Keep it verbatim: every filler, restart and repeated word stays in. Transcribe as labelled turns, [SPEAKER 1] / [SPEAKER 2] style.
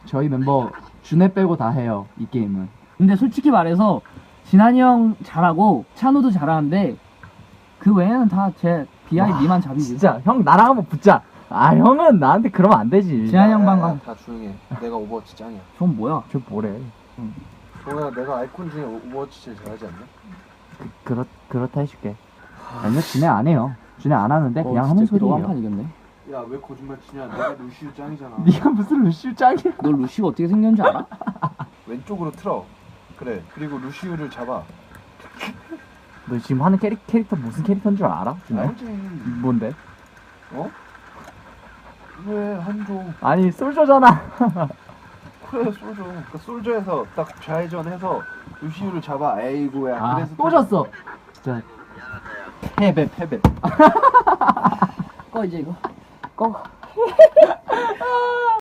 [SPEAKER 1] 저희 멤버 준혜 빼고 다 해요 이 게임은.
[SPEAKER 2] 근데 솔직히 말해서 진한이 형 잘하고 찬우도 잘하는데 그 외에는 다 제 비하이 미만 잡이지.
[SPEAKER 1] 진짜 형 나랑 한번 붙자. 아 형은 나한테 그러면 안 되지.
[SPEAKER 2] 진한이 형 방금
[SPEAKER 3] 다 조용해. 내가 오버워치 짱이야.
[SPEAKER 2] 전 뭐야?
[SPEAKER 1] 저 뭐래.
[SPEAKER 3] 동호야, 내가 아이콘 중에 오버워치 제일 잘하지 않나?
[SPEAKER 1] 그, 그렇, 그렇다 해줄게. 아니요 준혜 안 해요. 준혜 안 하는데 그냥 하는 소리예요.
[SPEAKER 2] 한판 이겼네.
[SPEAKER 3] 야, 왜 거짓말 치냐? 내가 루시우 짱이잖아.
[SPEAKER 1] 네가 무슨 루시우 짱이야.
[SPEAKER 2] 너 루시가 어떻게 생겼는지 알아?
[SPEAKER 3] 왼쪽으로 틀어. 그래. 그리고 루시우를 잡아.
[SPEAKER 1] 너 지금 하는 캐릭, 캐릭터 무슨 캐릭터인 줄 알아? 준혜?
[SPEAKER 3] 알지?
[SPEAKER 1] 뭔데?
[SPEAKER 3] 어? 왜 한종?
[SPEAKER 1] 아니 솔저잖아.
[SPEAKER 3] 그래, 솔저. 그 솔저에서 딱 좌회전해서 루시우를 잡아. 에이구야.
[SPEAKER 1] 아,
[SPEAKER 3] 그래서
[SPEAKER 1] 또 졌어. 자,
[SPEAKER 3] 패배, 패배.
[SPEAKER 2] 꺼 이제 이거. 꺼.